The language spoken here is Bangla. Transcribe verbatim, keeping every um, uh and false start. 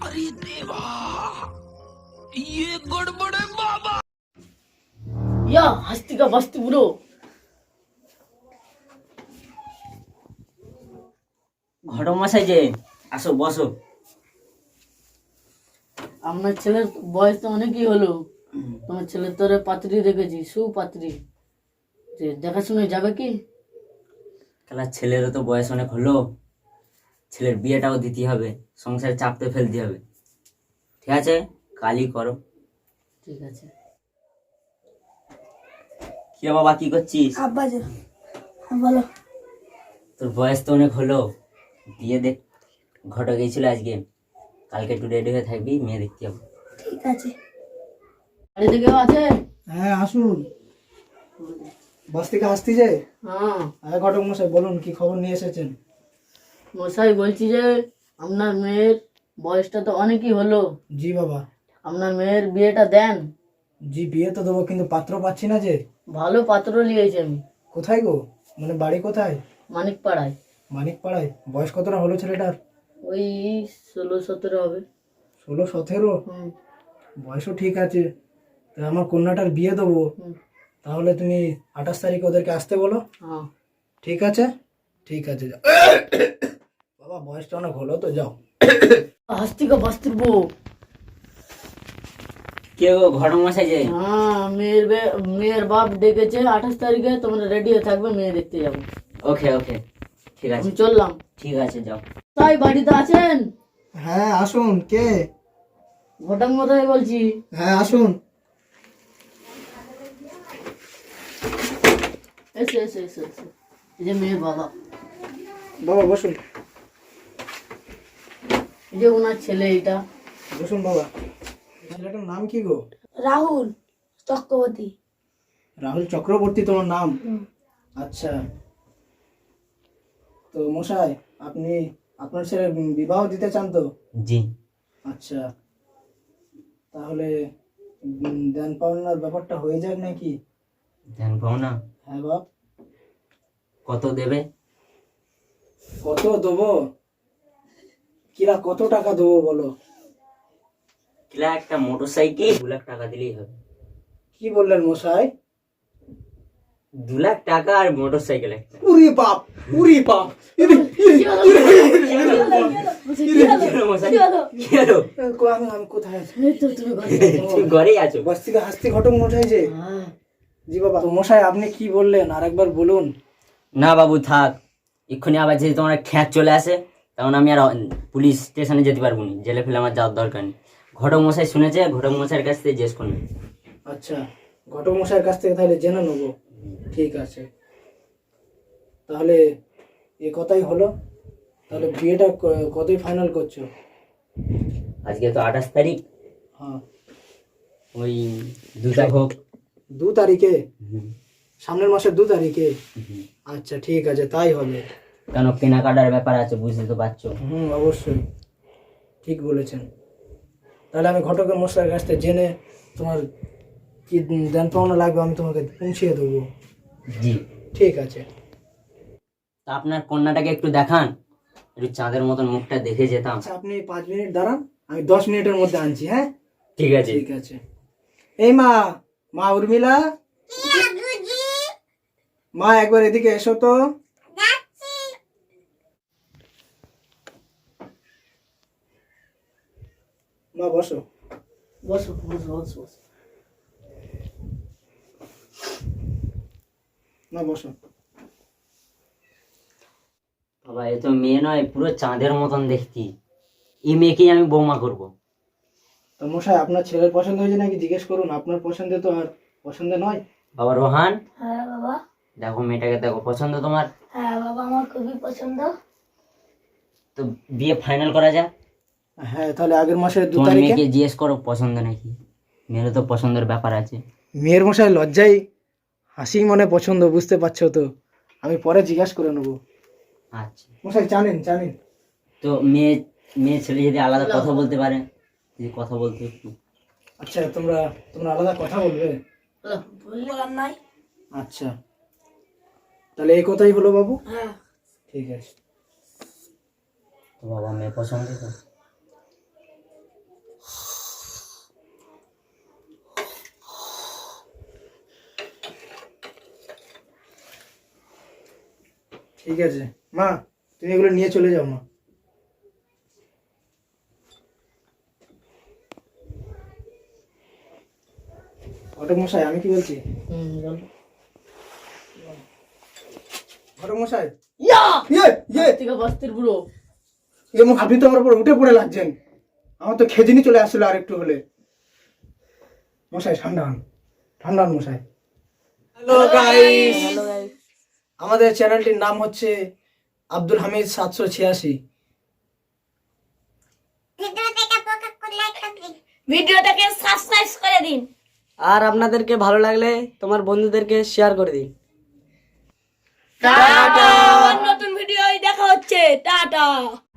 अरे देवा, ये गड़बड़ है बाबा। ইয়া হাস্তিকা বাস্তি বুড়ো, ঘটমশাই যে, আসো বসো। আপনার ছেলের বয়স তো অনেকই হলো, তোমার ছেলের তোরে পাত্রী দেখেছি, সুপাত্রী, যে দেখাশুনে যাবে কি? খেলা ছেলেরও তো বয়স অনেক হলো, ছেলের বিয়েটাও দিতে হবে, সংসারে চাপতে ফেলতে হবে। ঠিক আছে, কালই করো। ঠিক আছে। কি রে বাবা, কি করছিস? আব্বা যে বলো। তোর বয়স তো অনেক হলো, বিয়ে দেখ ঘটে গেছিল আজকে, কালকে একটু রেডি হয়ে থাকবি, মেয়ে দেখতে যাবো। ঠিক আছে। বাড়িতে কেউ আছে? হ্যাঁ আসুন। বাস থেকে আসতে যে। হ্যাঁ হ্যাঁ ঘটক মশাই বলুন, কি খবর নিয়ে এসেছেন? মশাই বলছি যে আপনার মেয়ের বয়সটা তো অনেকই হলো, জি বাবা। আপনার মেয়ের বিয়েটা দেন। জি বিয়ে তো দেবো, কিন্তু পাত্র পাচ্ছি না যে। ভালো পাত্র নিয়েছি আমি। কোথায় গো, মানে বাড়ি কোথায়? মানিক পাড়ায়। মানিক পাড়ায়। বয়স কতটা হলো ছেলেটার? ওই ষোলো সতেরো হবে। ষোলো সতেরো হুম বয়সও ঠিক আছে। তা আমার কন্যাটার বিয়ে দেবো, হুম। তাহলে তুমি আঠাশ তারিখে ওদেরকে আসতে বলো। হ্যাঁ ঠিক আছে, ঠিক আছে যাও। বাবা বয়সটা অনেক হলো তো, যাও। হাস্তিকা বাস্তির বউ। কে গো ঘটমশাই যে? হ্যাঁ মেয়ের বে- মেয়ের বাপ ডেকেছে আঠাশ তারিখে, তোমরা রেডি হয়ে থাকবে, মেয়ে দেখতে যাবো। ওকে ওকে, ঠিক আছে, আমি চললাম। ঠিক আছে যাও। তাই বাড়িতে আছেন? হ্যাঁ আসুন। কে? ঘটক মশাই বলছি। হ্যাঁ আসুন। এসে এসে এসে এসে এই যে মেয়ের বাবা, বাবা বসুন। এই যে ওনার ছেলে, এইটা। বসুন বাবা। ছেলেটার নাম কি গো? রাহুল চক্রবর্তী। রাহুল চক্রবর্তী তোমার নাম? আচ্ছা। তো মশাই, আপনি আপনার ছেলের বিবাহ দিতে চান তো? জি। আচ্ছা, তাহলে উম, দেন পাওনার ব্যাপারটা হয়ে যাক নাকি? ধ্যান পাও না? হ্যাঁ বাপ। কত দেবে? কত দেবো? কিরা কত টাকা দেবো বলো? কিলা একটা মোটর সাইকেল দু লাখ টাকা দিলেই হবে। কি বললেন মশাই? দু লাখ টাকা আর মোটর সাইকেল একটা। উরি বাপ, উরি বাপ। ইরে, ইরে, কি হলো? কো- আমি আমি কোথায় আছি? এই তো তুমি ঘরে আছো। তুমি ঘরেই আছো? বাস থেকে হাসতে ঘটক মশাই যে। হ্যাঁ জি বাবা। তো মশাই আপনি কি বললেন আর একবার বলুন। না বাবু থাক, এক্ষুনি আবার যদি তোমার খ্যাত চলে আসে, তখন আমি আর পুলিশ স্টেশনে যেতে পারবো না, জেলে ফেলে আমার যাওয়ার দরকার নেই। ঘটক মশাই শুনেছে, ঘটক মশাইয়ের কাছ থেকে জিজ্ঞেস করুন। আচ্ছা, ঘটক মশাইয়ের কাছ থেকে তাহলে জেনে নেবো। ঠিক আছে, তাহলে এ কথাই হলো। তাহলে বিয়েটা ক- কতই ফাইনাল করছো? আজকে তো আঠাশ তারিখ, হ্যাঁ, ওই দুটা হোক। দু তারিখে? হুম, সামনের মাসের দু তারিখে? হুম। আচ্ছা ঠিক আছে, তাই হবে। কেন কেনাকাটার ব্যাপার আছে, বুঝতে তো পারছো। হুম অবশ্যই, ঠিক বলেছেন। তাহলে আমি ঘটকের মশাইয়ের কাছ থেকে জেনে তোমার কি দেন পাওনা লাগবে আমি তোমাকে পৌঁছিয়ে দেবো। জি। ঠিক আছে। তা আপনার কন্যাটাকে একটু দেখান, একটু চাঁদের মতন মুখটা দেখে যেতাম। আচ্ছা আপনি পাঁচ মিনিট দাঁড়ান, আমি দশ মিনিটের মধ্যে আনছি। হ্যাঁ ঠিক আছে। ঠিক আছে। এই মা, মা উর্মিলা, মা একবার এদিকে এসো তো। মা বসো। বসো বসো বসো বসো। মা বসো। বাবা এ তো মেয়ে নয়, পুরো চাঁদের মতন দেখতি, এই মেয়েকেই আমি বৌমা করব। তো মশাই আপনার ছেলের পছন্দ হয়েছে নাকি জিজ্ঞেস করুন, আপনার পছন্দে তো আর পছন্দ নয়। বাবা রোহান, হ্যাঁ বাবা। দেখো মেয়েটাকে, দেখো পছন্দ তোমার? হ্যাঁ বাবা, আমার খুবই পছন্দ। তো বিয়ে ফাইনাল করা যাক। হ্যাঁ তাহলে আগের মাসের দু তোমার তারিখে। মেয়েকে জিজ্ঞেস করো পছন্দ নাকি, মেয়েরও তো পছন্দের ব্যাপার আছে। মেয়ের মশাই লজ্জায় হাসি মনে পছন্দ, বুঝতে পারছো তো, আমি পরে জিজ্ঞাসা করে নেবো। আচ্ছা, মশাই জানেন জানেন। তো মেয়ে মেয়ে ছেলে যদি আলাদা কথা বলতে পারে, যদি কথা বলতে একটু। আচ্ছা তোমরা তোমরা আলাদা কথা বলবে? হ্যালো। বলার নাই। আচ্ছা, তাহলে এই কথাই হলো বাবু। হ্যাঁ ঠিক আছে। তো বাবা মেয়ে পছন্দ তো? ঠিক আছে মা, তুমি এগুলো নিয়ে চলে যাও মা। ঘটক মশাই, আমি কি বলছি, হুম বল। ঘটক মশাই, ইয়া ইয়ে ইয়ে থেকে বস্তির বুড়ো। এবং আপনি তো আমার উপর উঠে পড়ে লাগছেন। আমার তো খেজনি চলে আসছিল আর একটু হলে। মশাই ঠান্ডা হন, ঠান্ডা হন মশাই। হ্যালো গাইস, হ্যালো গাইস, আমাদের চ্যানেলটির নাম হচ্ছে আব্দুল হামিদ সাতশো ছিয়াশি। ভিডিওটাকে সাবস্ক্রাইব করে দিন আর আপনাদেরকে ভালো লাগলে তোমার বন্ধুদেরকে শেয়ার করে দিন। নতুন ভিডিও দেখা হচ্ছে। টাটা।